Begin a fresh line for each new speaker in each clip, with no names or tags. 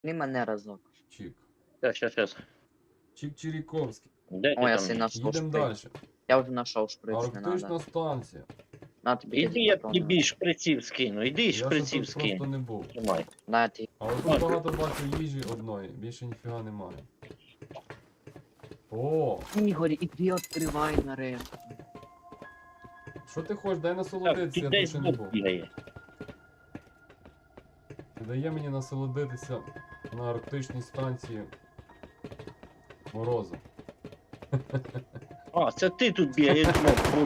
Не мене разок.
Чик.
Щас.
Чик-Чиріковський.
Де ти
О, я
там?
си нашел
Їдемо
шприц.
далі.
Я уже нашел шприц, не
Арктична
надо.
станція.
На тобі
Іди,
тоді
я
патрони.
тобі шприців скину, іди
Я ще
шприців
тут просто
скину.
не був.
Тримай.
На ти.
Але тут багато бачу їжі одної, більше ніфіга немає. О,
Ігор, іди відкривай нарешті.
що ти хочеш? Дай
Так,
насолодитися,
тут
я тут
десь
ще не
бот
був.
бігає.
Ти дає мені насолодитися на арктичній станції морозу.
А, це ти тут бігаєш, бот.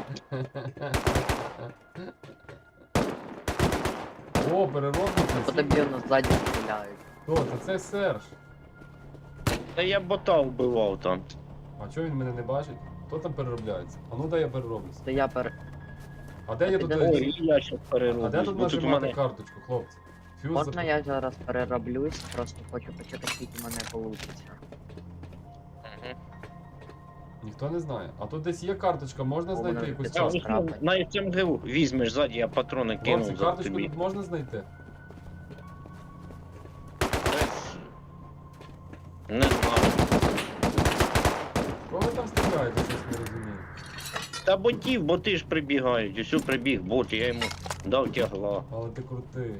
О, переробниця.
По тобі воно ззаді стріляють.
Хто це? Це Серж.
Та я бота вбивав там.
А чого він мене не бачить? Хто там переробляється? А ну дай я перероблюся.
То я
А де я тут?
Ой,
Ой, і я щас
А
перероблю.
де тут
бо тут у
нажимати
мене...
карточку, хлопці? Фюз
Можна
зап-
я зараз перероблюсь, просто хочу почати, скільки в мене вийде.
Мгм.
Ніхто не знає. А тут десь є карточка, можна
О,
знайти
вона
якусь
відкрила.
карточку?
Скрапать.
На СМГ візьмеш ззаді, я патрони
Хлопці,
кинув за
карточку
тобі.
тут можна знайти?
Не знаю.
Кого ви там стріляєте, щось не розумію.
Та боти ж прибігають, усю прибіг бот, я йому дав тягла.
Але ти крутий.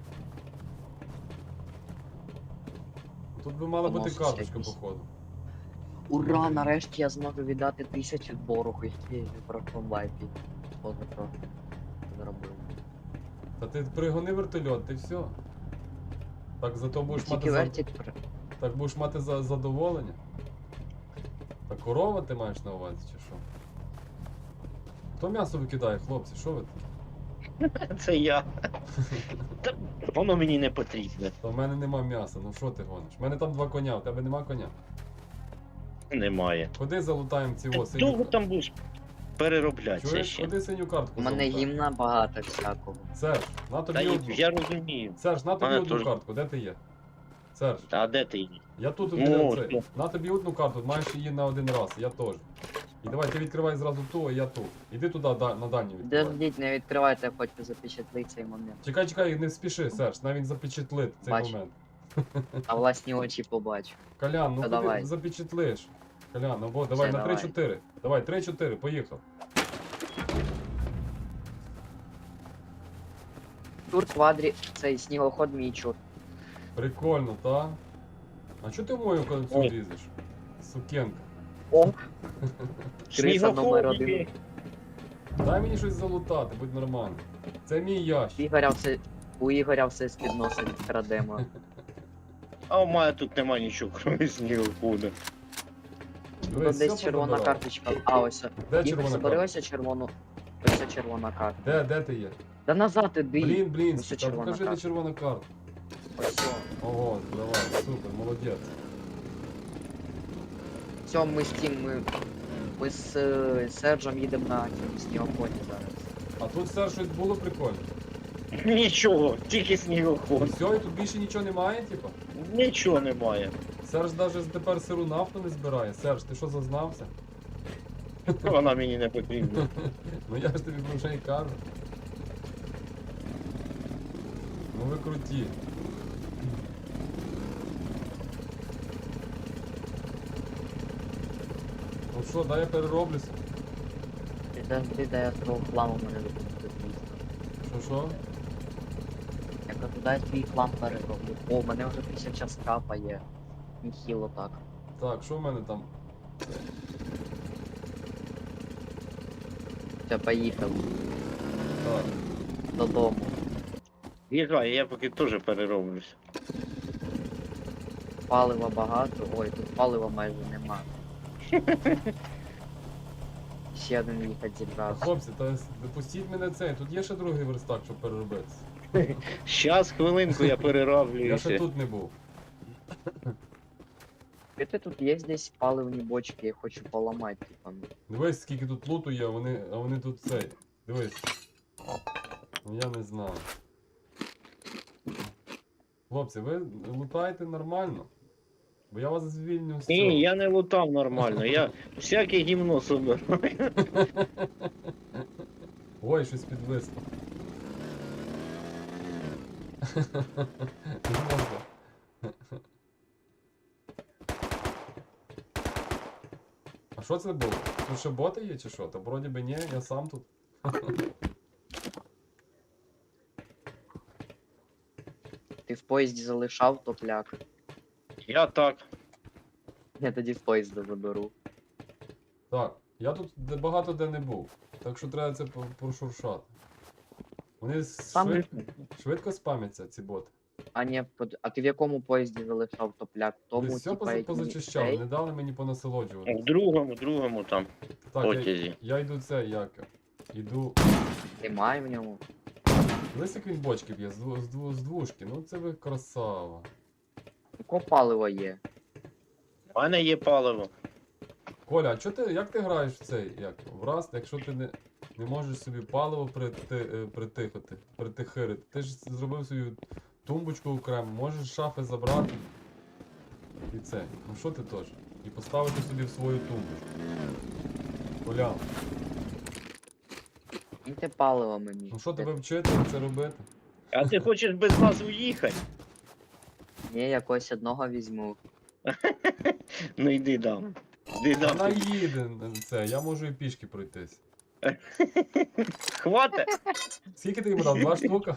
Тут би мала бути
Поносить
карточка,
якийсь.
походу.
Ура, нарешті я зможу віддати 1000 боргу, який про комбайпі. Позапрошлий зробив.
Та ти пригони вертольот, ти все. Так зато будеш
Тільки
мати
вертик
так будеш мати задоволення. Та корова ти маєш на увазі, чи що? Хто м'ясо викидає, хлопці, що ви такі?
Це я. Та воно мені не потрібне.
Та в мене нема м'яса, ну що ти гониш? У мене там 2 коня, у тебе нема коня.
Немає.
Ходи залутаємо ці
Довго
синю.
там будеш перероблятися
Чуєш,
ще.
ходи синю картку
У мене
залутай.
гімна багато всякого.
Серж, на
Та
тобі одну.
я розумію.
Серж, на тобі
мене
одну
теж.
картку, де ти є? Серж,
А де ти її?
я тут
Ну,
біля
що?
цей. На тобі одну карту, маєш її на один раз, я теж. І давай ти відкривай зразу ту, а я ту. Іди туди на дальню відкривай.
Дождіть, не відкривайте, я хочу запечатлити цей момент.
Чекай, не спіши, Серж, навіть запечатлити цей
Бачу.
момент.
А власні очі побачу.
Колян, ну
Та
ходи
давай.
запечатлиш. Колян, ну бо давай
Все,
на
давай.
3-4. Давай, 3-4, поїхав.
Тур квадрі, цей снігоход мій чур.
Прикольно, та? А чого ти в мою концю
Ой.
лізеш? Сукенка.
О, криса номер
Снігоходики.
1.
Дай мені щось залутати, будь нормально. Це мій ящик.
У Ігоря все з-під носа відкрадемо.
А у мене тут нема нічого, крім снігохода.
Тут
Дивись,
десь
все
червона
позабирав.
карточка. А, ось.
Де
Ігор,
червона
забери
карта?
ось червону. Ось червона карта.
Де ти є?
Да назад іди.
Блін,
Ось
та
червона
покажи, де
карта.
червона карта.
Ось.
Ого, давай, супер, молодець.
Все, ми з тим, ми з Серджем їдемо на цьому снігоході зараз.
А тут все щось було прикольно.
Нічого, тільки
І
снігоход.
все, і тут більше нічого немає, типа?
Нічого немає.
Серж навіть тепер сиру нафту не збирає. Серж, ти що зазнався?
Вона мені не потрібна.
Ну я ж тобі про що й кажу. Ну ви круті. Ну що, дай я перероблюся.
Ти дай я свого хламу мене допомогти.
Що?
Я кажу, дай свій хлам перероблю. О, в мене вже 1000 скрапа є. Ніхіло так.
Так, що в мене там?
Все, поїхав
Так.
додому.
Їжджай, я поки теж перероблюся.
Палива багато. Ой, тут палива майже нема. Ще один їхати зібрався.
Хлопці, та допустіть мене цей. Тут є ще другий верстак, щоб переробитися.
Щас, хвилинку, я
Я ще
перероблююся.
тут не був.
Ти тут є десь паливні бочки, я хочу поламати, типа.
Дивись, скільки тут луту є, а вони тут цей. Дивись. Ну я не знаю. Хлопці, ви лутаєте нормально? Бо я вас звільню з цього.
Ні, я не лутав нормально, я всяке гімно собираю.
Ой, щось підвисло. Не можна. що це було? Тут ще боти є чи що? Та вроді би ні, я сам тут.
Ти в поїзді залишав топляк.
Я так.
Я тоді з поїзда заберу.
Так, я тут багато де не був. Так що треба це прошуршати. Вони
Сам
швидко спамяться, ці боти.
А ні, а ти в якому поїзді залишав топляк? В тому,
Десь все
типа, який
позачищав,
цей?
не дали мені понасолоджувати.
В другому там.
Так, я,
потязі.
я йду це, як? Іду.
Немає в ньому.
Дивись, як він бочки б'є, з двушки. Ну це ви красава.
Яке паливо є?
У мене є паливо.
Коля, а як ти граєш в цей? В Rust, якщо ти не можеш собі паливо притихирити? Ти ж зробив свою тумбочку окремо, можеш з шафи забрати. І це. Ну що ти теж? І поставити собі в свою тумбочку. Коля,
Кіньте паливо мені.
ну що тебе вчити це робити?
А ти хочеш без нас уїхати?
Ні, якогось одного візьму.
Ну йди дам. Йди дам.
Вона
тобі.
їде це, я можу і пішки пройтись.
Хватить?
Скільки ти йому дав? 2 штука?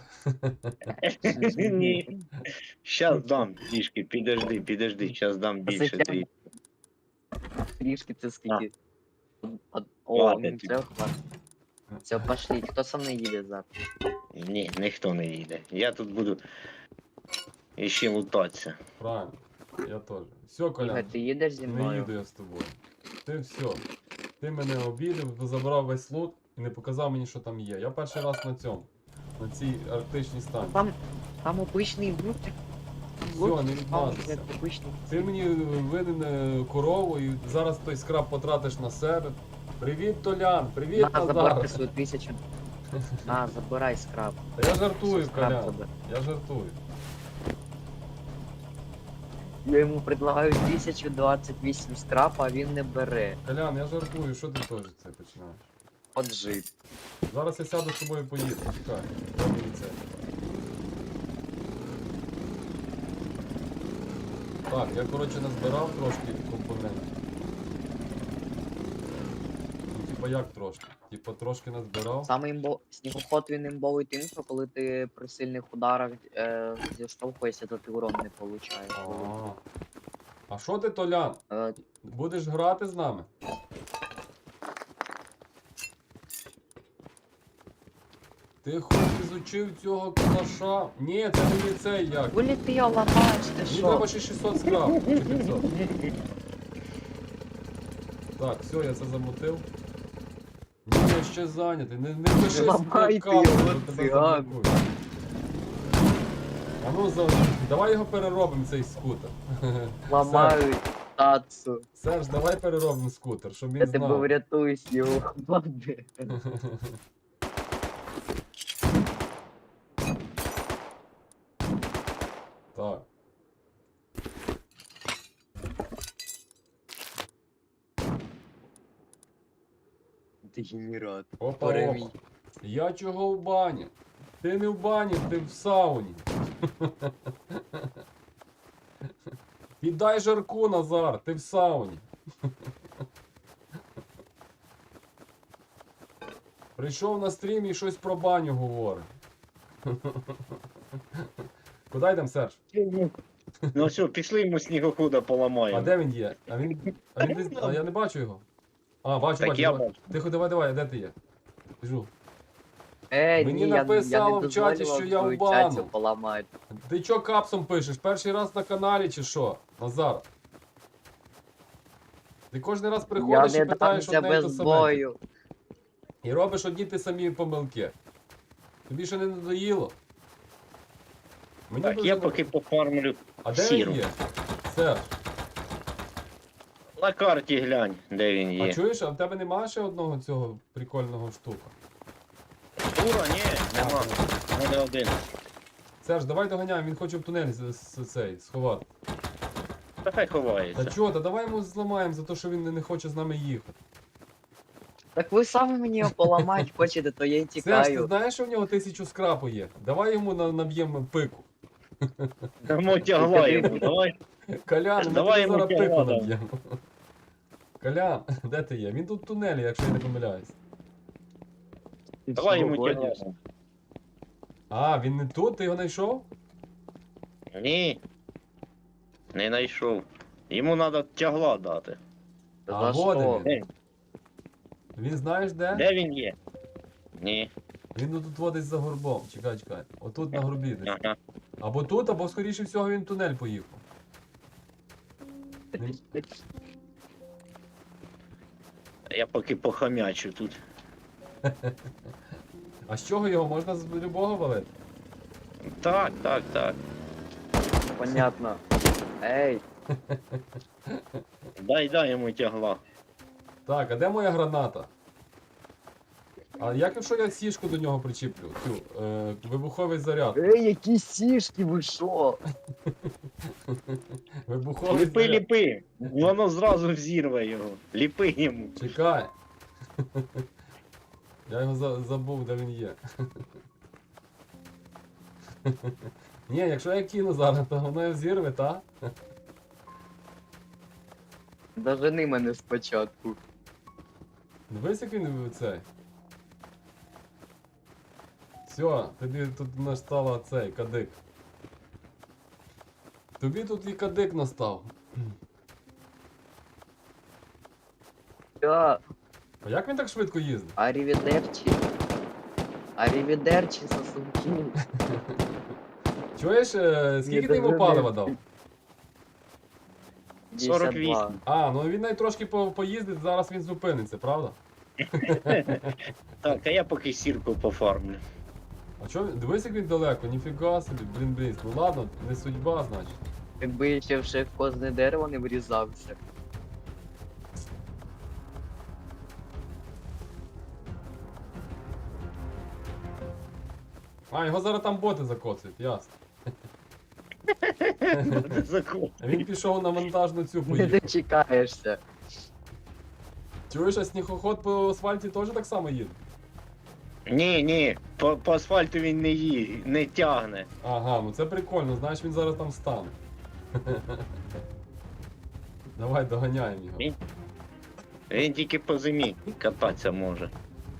Ні. Щас дам трішки, підожди, щас дам більше
Зачем?
трішки.
Трішки це скільки. О,
Хватить.
ну все, хватить. Все, пошліть. Хто со мною їде завтра?
Ні, ніхто не їде. Я тут буду іще лутатися.
Правильно, я теж. Все, Коля.
Ігор, ти їдеш зі
Не
мною?
їду я з тобою. Ти все. Ти мене обідав, забрав весь лут і не показав мені, що там є. Я перший раз на цьому. На цій арктичній станції.
Там обичний лут.
Все, не відмазуйся.
Обичний.
Ти мені винен корову і зараз той скраб потратиш на себе. Привіт, Толян! Привіт,
На, забирай
Назар!
свою 1000. На, забирай скраб.
Та я жартую,
Все, скраб
Колян.
забирай.
Я жартую.
Я йому предлагаю 1028 скрапа, а він не бере.
Колян, я жартую, що ти теж це починаєш?
От жит.
Зараз я сяду з тобою і поїду. Чекай. Дай мені це. Так, я коротше назбирав трошки компонентів. Ну, типа як трошки? Типа трошки назбирав.
Саме снігоход він імбовий тим, що коли ти при сильних ударах зіштовхуєшся, то ти урон не получаєш.
А що ти, Толян?
Е,
Будеш грати з нами? Ти хоч ізучив цього калаша? Ні, це не цей як.
Гулі ти його ламаєш, ти
Мені
що?
треба ще 600 скраб. Чи 500. Так, все, я це замутив. Ні, я ще зайнятий. Не пиши
Ламайте
капу,
його,
бо тебе
циган.
заблокують. А ну, давай його переробимо, цей скутер.
Ламають тацу.
Серж, давай переробимо скутер, щоб він
Я тебе
знав.
врятую з його хлади.
Так.
Дегенерат.
Опа,
Перемій.
опа. Я чого в бані? Ти не в бані, ти в сауні. Віддай жарку, Назар, ти в сауні. Прийшов на стрім і щось про баню говорить. Куди йдемо, Серж?
Ну все, пішли йому снігохода
А
поламаємо.
де він є? А я не бачу його. А, бачу,
Так
бачу.
я
давай.
бачу.
Тихо, давай, де ти є? Біжу.
Мені
Мені написало в чаті, що я в бану.
Поламають.
Ти чо капсом пишеш? Перший раз на каналі чи що? Назар? Ти кожен раз
Я
приходиш
не
і питаєш
дамся
одне і те
без
саме.
бою.
І робиш одні ті самі помилки. Тобі ще не надоїло? Мені
Так,
дуже
я
не-
поки пофармлю
А де
сіру.
він є? Серж,
На карті глянь, де він
а
є.
чуєш, а в тебе немає ще одного цього прикольного штука?
Ура, ні, нема. У мене один.
Серж, давай доганяємо, він хоче в тунель цей сховати.
Та хай
Та
ховається.
чого, та давай йому зламаємо за те, що він не хоче з нами їхати.
Так ви самі мені його поламати хочете, то я й
Серж, ти
тікаю.
знаєш, що в нього 1000 скрапу є? Давай йому наб'ємо пику.
Дамо тягла йому, давай.
Колян, ми
Давай
тобі
йому
зараз пику
тягла, да.
наб'ємо. Колян, де ти є? Він тут в тунелі, якщо я не помиляюсь.
Давай йому
Погодиш?
тягла.
А, він не тут, ти його знайшов?
Ні. Не знайшов. Йому треба тягла дати.
А,
За
вот
що?
він. Він знаєш де?
Де він є? Ні.
Він тут водить за горбом. Чекай, чекай. Отут на горбі десь.
Ага.
Або тут, або скоріше всього він в тунель поїхав. Він-
Я поки похамячу тут.
А з чого його можна з любого валити?
Так, так, так.
Понятно. Ей,
Дай йому тягла.
Так, а де моя граната? А як якщо я сішку до нього причіплю? Цю, вибуховий заряд.
які сішки, ви що?
Вибуховий
Ліпи,
заряд.
ліпи. Воно зразу взірве його. Ліпи йому.
Чекай. Я його забув, де він є. Ні, якщо я кину зараз, то воно його зірве, та?
Дожени мене спочатку.
Дивись, як він цей. Все, тобі тут настала цей кадик. Тобі тут і кадик настав.
Я,
А як він так швидко їздить?
арівідерчі. Арівідерчі, сосунки.
Чуєш, скільки ти йому
дожени.
палива дав?
52.
А, ну він навіть трошки поїздить, зараз він зупиниться, правда?
Так, а я поки сірку пофармлю.
А чо він? Дивись, як він далеко, ніфіга собі, блін, ну ладно, не судьба, значить.
Якби я ще в кожне дерево не врізався.
А, його зараз там боти закоцають, ясно.
Закон.
А він пішов на монтажну цю
Не
поїхав.
дочекаєшся.
Чуєш, а снігоход по асфальті теж так само їде?
Ні, по асфальту він не тягне.
Ага, ну це прикольно, знаєш, він зараз там стане. Давай доганяємо його.
Він тільки по зимі кататися може.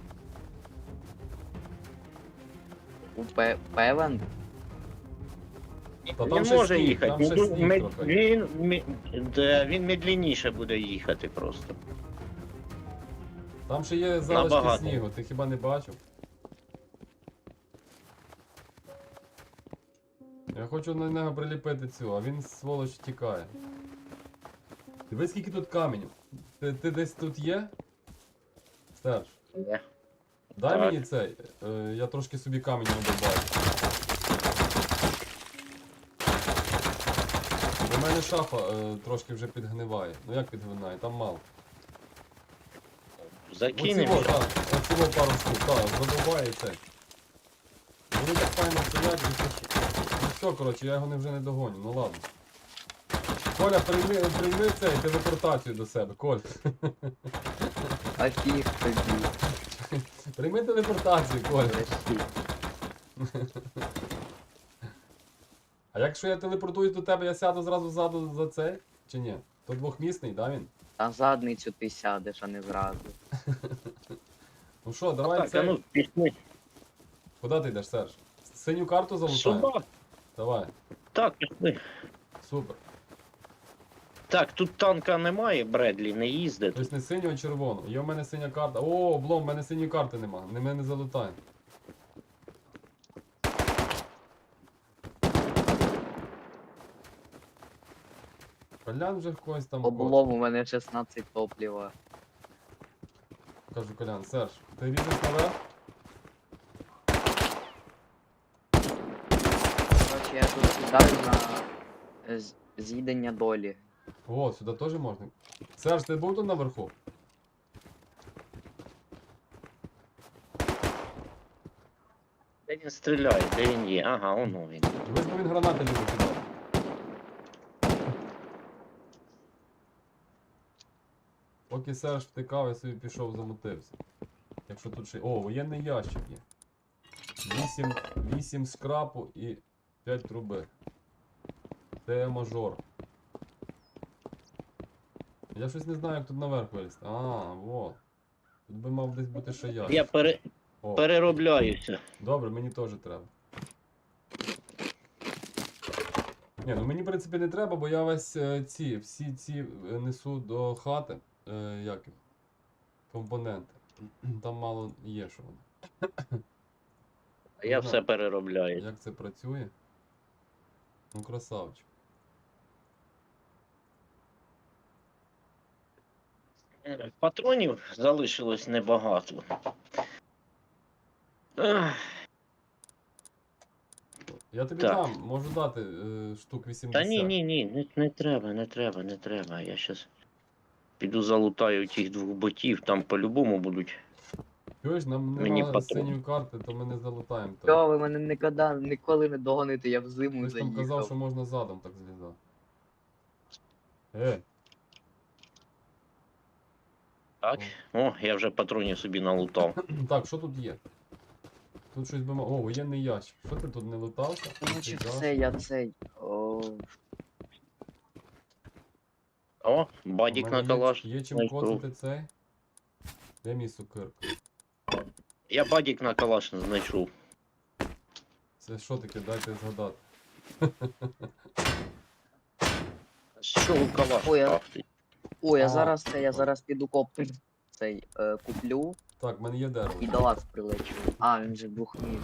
Певен?
Та там
Він
ще
може
сніг,
їхати.
там ще сніг трохи.
Він медленніше буде їхати просто.
Там ще є залишки
Набагато.
снігу, ти хіба не бачив? Я хочу на нього приліпити цю, а він сволоч тікає. Дивись, скільки тут каменів. Ти десь тут є? Серж,
Є.
дай
Так.
мені цей. Я трошки собі каменів добавлю. У мене шафа трошки вже підгниває. Ну як підгниває? Там мало.
Закинемо.
Оцього пару штук, так, задовбає цей. Вони так файно стоять, ну все, коротше, я його вже не догоню, ну ладно. Коля, прийми цей телепортацію до себе, Коль.
А фіг тобі.
Прийми телепортацію, Коля.
Решті.
А якщо я телепортуюсь до тебе, я сяду зразу ззаду за цей? Чи ні? То двохмісний, да він?
На задницю ти сядеш, а не зразу.
Ну що, давай
Так, а
цей.
ну пішли.
Куди ти йдеш, Серж? Синю карту залутаємо?
Сюди.
Давай,
Так, пішли.
супер.
Так, тут танка немає, Бредлі не їздить.
Тобто не синю, а червону. Є в мене синя карта. О, облом, в мене синьої карти нема. Ми не залутаємо. Колян вже в когось там.
Облом у мене 16 топліва.
Кажу, Колян, Серж, ти різеш наверх?
Короче, я тут сідаю на з'їдення долі.
О, сюди теж можна. Серж, ти був тут наверху?
Де він стріляє, де він є? Ага, воно він.
Дивись, бо він гранати любить кидати. Поки Серж втикав, я собі пішов, замутився. Якщо тут ще. О, воєнний ящик є. 8 скрапу і 5 труби. Це мажор. Я щось не знаю, як тут наверх вилізти. А, вот. Тут би мав десь бути ще я.
Я
О,
переробляюся.
добре, мені теж треба. Ні, ну мені в принципі не треба, бо я весь всі ці несу до хати. Як їх? Компоненти. Там мало є, що вони.
А я
Ну,
все переробляю.
Як це працює? Ну, красавчик.
Патронів залишилось небагато. Ах,
Я тобі
Так.
дам, можу дати штук 80.
Та ні, не треба. Я щас піду залутаю тих двох ботів, там по-любому будуть.
Чуєш, нам
Мені
нема
патрон.
синьої карти, то ми не залутаємо.
Що ви мене ніколи не догоните, я в зиму
Ти ж там казав, що
заїхав.
можна задом так злізати.
Так? О, я вже патронів собі налутав.
Так, що тут є? Тут щось би мав. О, воєнний ящик. Що ти тут не лутався?
Значить,
Ти
все, я цей.
О, бадік на калаш.
Є чим
знайшов.
коцати цей? Де мій сукирка?
Я бадік на калаш не знайшов.
Це що таке? Дайте згадати.
Що у калаш?
Ой, а-
крафтить?
О,
А.
я зараз піду коптер цей куплю
Так, в мене є дерево.
і до вас прилечу. А, він же бухнів.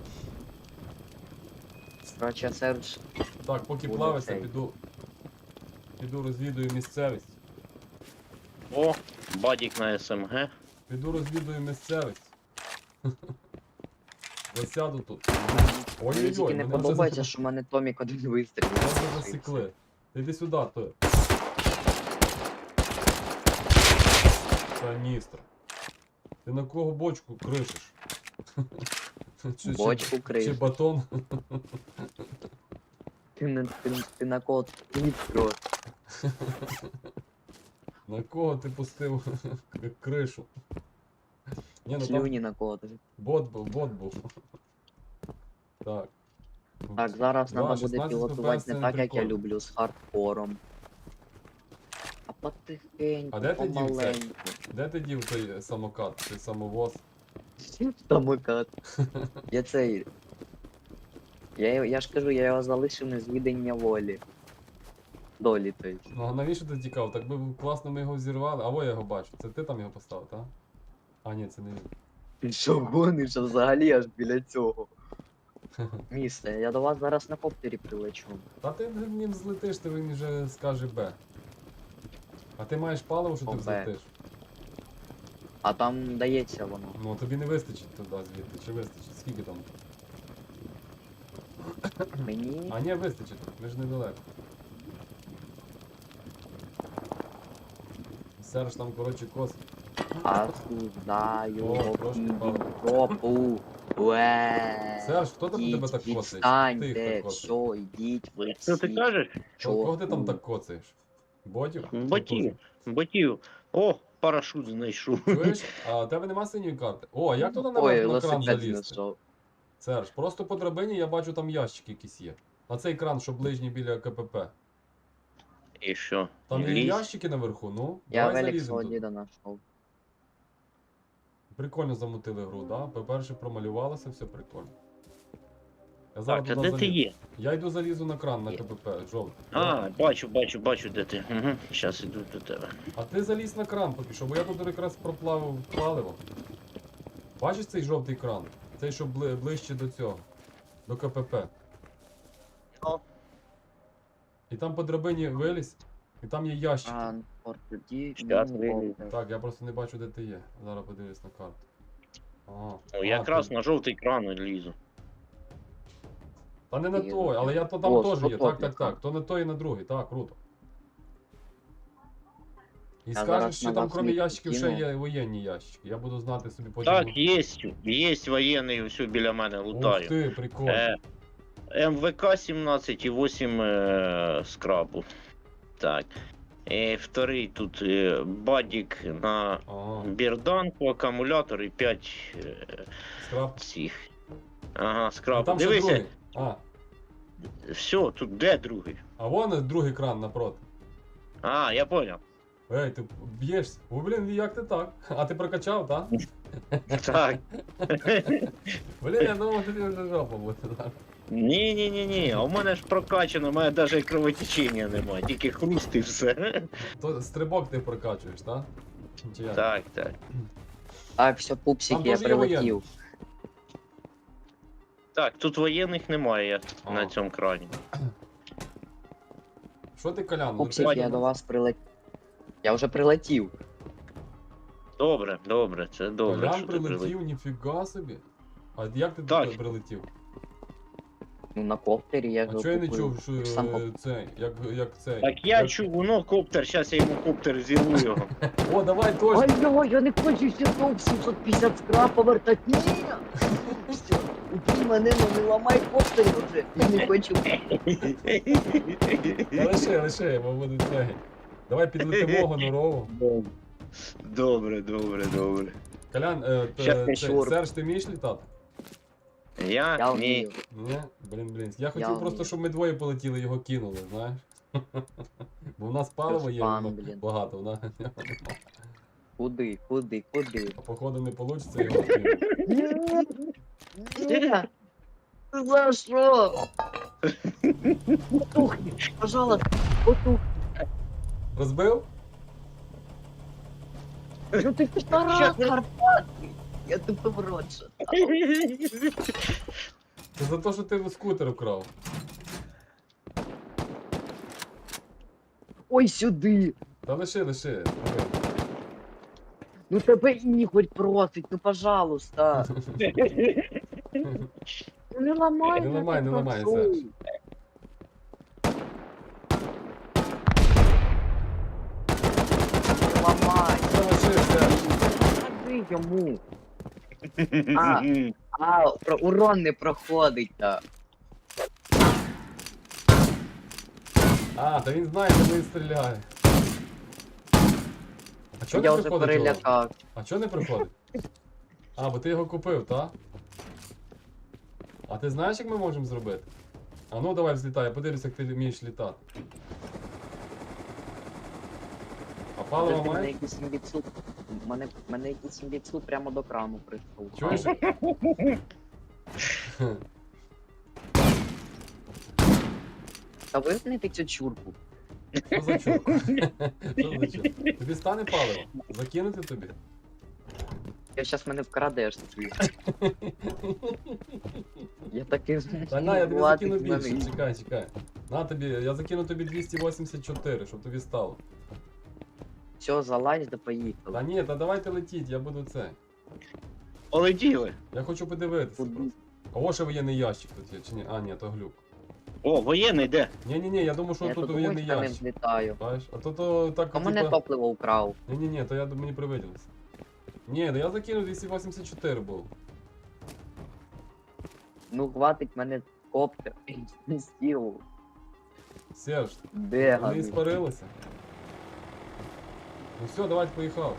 Короче, Серж,
Так, поки
Буде
плавиться,
цей.
піду розвідую місцевість.
О, бадік на СМГ.
Піду розвідую місцевість. Засяду тут.
мені тільки
Ой-ой-ой,
не
мене вже
подобається, що в мене Томік один вистрілив.
Мене вже засікли. Ти йди сюди, то. Каністр. Ти на кого бочку кришиш?
Бочку
Чи
криш.
батон?
Ти на кого нітро.
На кого ти пустив кришу? Ні, ну там
Слюні на кого ти.
бот був. Так.
Так, зараз
Да,
треба буде
16
пілотувати
FPS це
не
не
так, як я
прикольно.
люблю, з хардкором. А потихеньку,
А де ти дів це?
помаленьку.
Де ти дів той самокат, той самовоз?
Самокат. Я цей. Я ж кажу, я його залишив на звідання волі. Долі, то есть.
Ну а навіщо ти тікав? Так би класно ми його зірвали. А во я його бачу. Це ти там його поставив, так? А ні, це не він.
Ти що гониш, а взагалі аж біля цього. Місце, я до вас зараз на коптері прилечу.
Та ти ним злетиш, то він вже скаже Б. А ти маєш паливо, що ти
О, Б.
взлетиш?
А там дається воно.
Ну тобі не вистачить туди звідти, чи вистачить? Скільки там?
Мені.
А ні, вистачить, ми ж недалеко. Серж там, коротше, кос.
Осуждаю
О, трошки паливо.
Европу. Уе.
Серж, хто там тебе так косить? Ти
Відстаньте,
їх так косиш.
все, йдіть ви
Що ти
всі.
кажеш?
Кого ти там так коцаєш? Ботів?
Ботів. О, парашут знайшов.
Чуєш? А у тебе нема синьої карти? О, а як туди
Ой,
наверх на кран
велосипед
залізти?
знайшов.
Серж, просто по драбині я бачу там ящики якісь є. А цей кран, що ближній біля КПП.
І що?
Там є
Лізь.
ящики наверху, ну.
Я
Давай
велик
заліземо
свого
тут.
діда знайшов.
Прикольно замутили гру, да? По-перше, промалювалося, все прикольно. Я зараз
Так, а
туди
де ти
залізу.
є?
Я йду залізу на кран на
Є.
КПП, жовтий.
А, бачу, де ти. Угу. Щас іду до тебе.
А ти залізь на кран поки що, бо я тут якраз проплавив паливо. Бачиш цей жовтий кран? Цей, що ближче до цього. До КПП.
Ну.
І там по драбині вилізь, і там є ящики.
А, от тоді.
Щас
мені
вилізу.
коптер.
Так, я просто не бачу, де ти є. Зараз подивлюсь на карту.
Ну, якраз
ти-
на жовтий кран лізу.
Та не на
Є.
той, але я то там
О,
теж є.
100
Так,
топів.
так, так. То на той і на другий, так, круто. І
Я
скажеш,
зараз
що
на
там
вас
крім
мітку
ящиків ще
кину.
є воєнні ящики. Я буду знати собі потім.
Так, є воєнний, все біля мене
Ух
лутаю.
ти, прикольно.
МВК 17 і 8 скрабу. Так. Вторий тут бадік на
Ага,
бірданку, акумулятор і 5
скраб.
цих. Ага,
А
скрабу.
там ще
Дивися,
другий. А,
все, тут де другий?
а вон другий кран напроти.
А, я понял.
Ей, ти б'єшся? О, блін, як ти так? А ти прокачав, так?
Так.
Блін, я думав, що ти вже жопа буде.
Ні, а у мене ж прокачано, у мене навіть кровотечення немає, тільки хруст і все.
То стрибок ти прокачуєш, так? Чи як?
Так.
Так, все,
Там
пупсики, я
теж є воєнний.
прилетів.
Так, тут воєнних немає
А.
на цьому крані.
Що ти, Колян?
Пупсики,
летиш
я
до
до
нас?
вас прилетів. Я вже прилетів.
Добре, це добре,
Колян
що ти прилетів.
прилетів, ніфіга собі. А як ти
Так.
туди прилетів?
Ну, на коптері я
А
ж
чого я не
купив.
чув, що
Сам
це, як це?
Так я чув, воно коптер, зараз я йому коптер зірву його.
О, давай точно!
Ой, я не хочу сюди 750 скраб повертати. Ні! Все, убій мене, ну не ламай коптер вже. Я не хочу.
Та лише, бо буде це. Давай підлетимо гонорову.
Добре.
Колян,
Щас я шуру.
Серж, ти вмієш літати?
Я?
Я
Ні.
вмію.
Ні? Блін. Я хотів
вмію.
просто, щоб ми двоє полетіли, його кинули, знаєш? Бо в нас паливо є
Спам,
ну,
блін.
багато, вона.
Куди?
А походу не вийде його кинути.
Ні! За що? Потухни, пожалуйста, потухни.
Розбив?
Ну ти півтора Карпатки. Я тупо в рот що.
Це за те, що ти скутер вкрав.
Ой, сюди.
Та лише.
Ну тебе Ігор просить, ну пожалуйста. Ну не ламай.
Не
я
ламай,
так
не ламай,
прошу.
Серж.
Не ламай.
Та лише, Серж.
Скажи йому. Урон не проходить, так.
А, та він знає, де він стріляє. А чого
Я
не
вже
приходить його?
перелякав.
А чого не приходить? А, бо ти його купив, так? А ти знаєш, як ми можемо зробити? А ну давай взлітай, я подивлюсь, як ти вмієш літати. А паливо
Подожди, мене
маєш?
якийсь імбіцу. Мене якийсь імбіцу прямо до крану прийшов.
Чуєш?
Та вимкнете цю чурку.
Що за чурка? Що за чурка? Тобі стане паливо? Закинути тобі?
Я щас мене вкрадеш ти. Я такий
Та на, я тобі закину
Владик
більше,
мене.
чекай. На тобі, я закину тобі 284, щоб тобі стало.
Все, залазь да
Та
поїхали.
ні, та давайте летіть, я буду це.
Полетіли.
Я хочу подивитися
Куди?
просто. А ось ще воєнний ящик тут є, чи ні? А, ні, то глюк.
О, воєнний де?
Ні, я думаю, що
Я
тут
тут
воєнний
гуськами
ящик.
злітаю.
Бачиш? А то так,
А мене топливо украв.
Ні, то я мені привиділося. Ні, да я закинув 284 був.
Ну хватить мене коптер. Стіл.
Серж,
Де
вони
гади?
іспарилися. Ну все, давайте поїхав.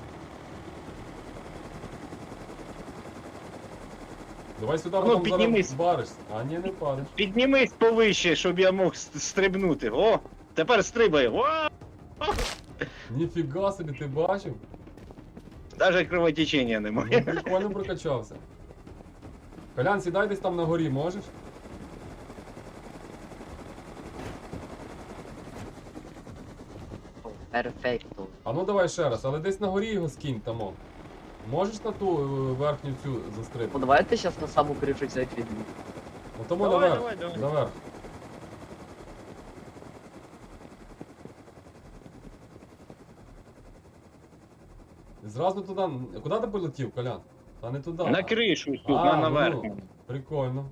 Давай сюди,
Ну,
потім
піднімись.
зараз баришся. А ні, не впадеш.
Піднімись повище, щоб я мог стрибнути. О! Тепер стрибай. О!
Ніфіга собі, ти бачив?
Навіть кровотечення
Ну,
немає.
прикольно прокачався. Колян, сідай десь там на горі, можеш?
Перфекто.
А ну давай ще раз, але десь на горі його скинь тамо. Можеш на ту верхню цю
Ну
застрибнути?
давайте щас на саму кришу сядь.
Отому
Давай,
наверх.
давай.
Наверх. І зразу туди. Куди ти полетів, Колян? Та не туди.
На кришу тут,
А,
наверх.
ну, прикольно.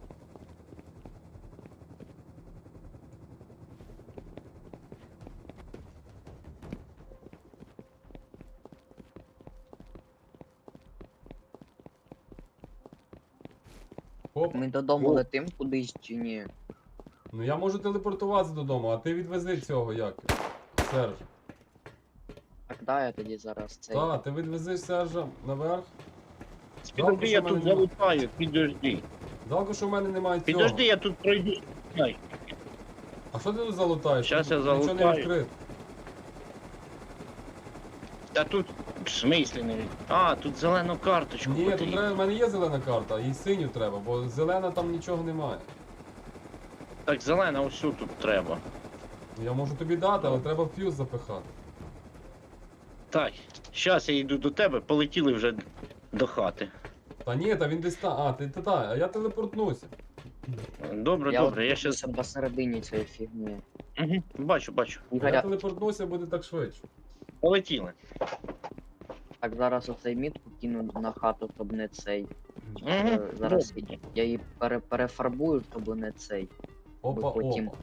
Оп.
Ми додому
О.
летим кудись чи ні?
Ну я можу телепортуватися додому, а ти відвези цього як? Серж.
Так да, я тоді зараз цей.
Так, ти відвезеш Сержа наверх.
Підожди, я
що в мене
тут
нема.
залутаю, підожди.
Жалко, що в мене немає цього.
Підожди, я тут пройду. Ай,
А що ти тут залутаєш?
Щас я
Тут нічого не
залутаю.
відкрито.
Та тут в смислі не від. А, тут зелену карточку
Ні, тут
потрібно.
треба, в мене є зелена карта, і синю треба, бо зелена там нічого немає.
Так, зелена ось тут треба.
Я можу тобі дати, але треба в фьюз запихати.
Так, зараз я йду до тебе, полетіли вже до хати.
Та ні, та він десь там. А, а я телепортнуся.
Добре,
Я
добре, я
от
щас.
посередині цієї фігні.
Угу, бачу, бачу.
Я
Ігоря,
телепортнуся, буде так швидше.
Полетіли.
так зараз оцей мітку кину на хату, щоб не цей.
Угу.
Зараз я її перефарбую, щоб не цей.
Опа,
потім.
опа.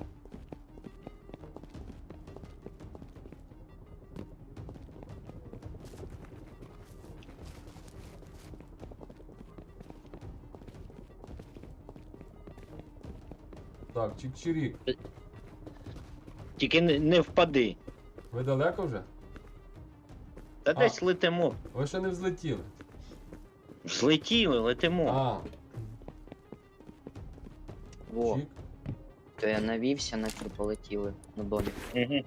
Так, чик-чирік.
Тільки не впади.
Ви далеко вже?
Та десь летимо.
Ви ще не взлетіли.
Злетіли, летимо.
А,
Во,
чик.
то я навівся, наче полетіли на долі.
Угу.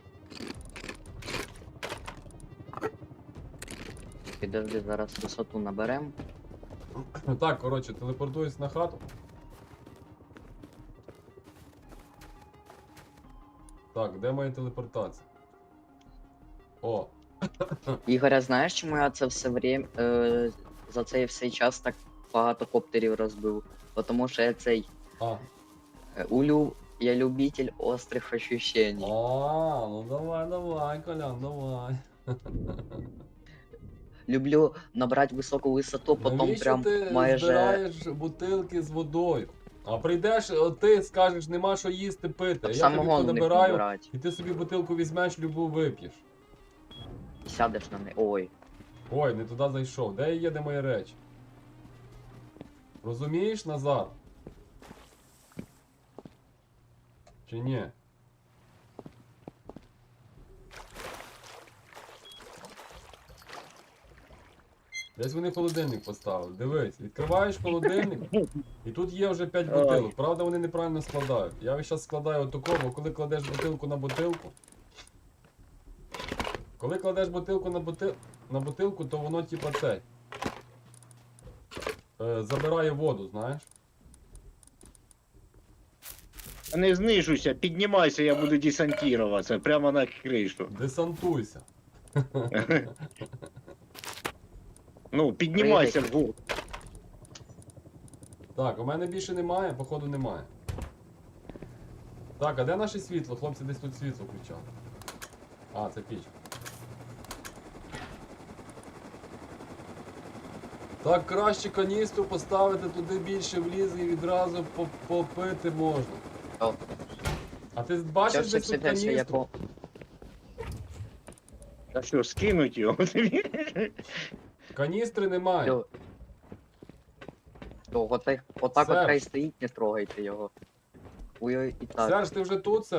Підожди, зараз висоту наберем.
Так, коротше, телепортуюсь на хату. Так, де моя телепортація? О,
Ігоря, знаєш, чому я це все время за цей все час так багато коптерів розбив? Тому що я цей
а.
я любитель острих ощущений.
Ну давай, Колян, давай.
Люблю набрати високу висоту, потім
Навіщо
прям
ти
майже.
збираєш бутилки з водою? А прийдеш, ти скажеш, нема що їсти, пити. Я тобі
Самогон в них
понабираю,
набирати.
і ти собі бутилку візьмеш, любу вип'єш.
Сядеш на неї. Ой.
Ой, не туди зайшов. Де є, де мої речі? Розумієш, Назар? Чи ні? Десь вони холодильник поставили. Дивись, відкриваєш холодильник, і тут є вже 5 бутилок. Правда, вони неправильно складають. Я ось зараз складаю отако, бо коли кладеш бутилку на бутилку. Коли кладеш бутилку на бутилку, то воно типа цей. Забирає воду, знаєш?
Не знижуйся, піднімайся, я буду десантуватися прямо на кришу.
Десантуйся.
Ну, піднімайся вгору.
Так, у мене більше немає, походу немає. Так, а де наше світло? Хлопці десь тут світло включали. А, це піч. Так, краще каністру поставити туди більше влізе і відразу попити можна.
О.
А ти бачиш десь тут каністру?
Та що, скинуть його?
Каністри немає.
Отак
Серж.
от хай стоїть, не трогайте його. Ой, і так.
Серж, ти вже тут, Серж?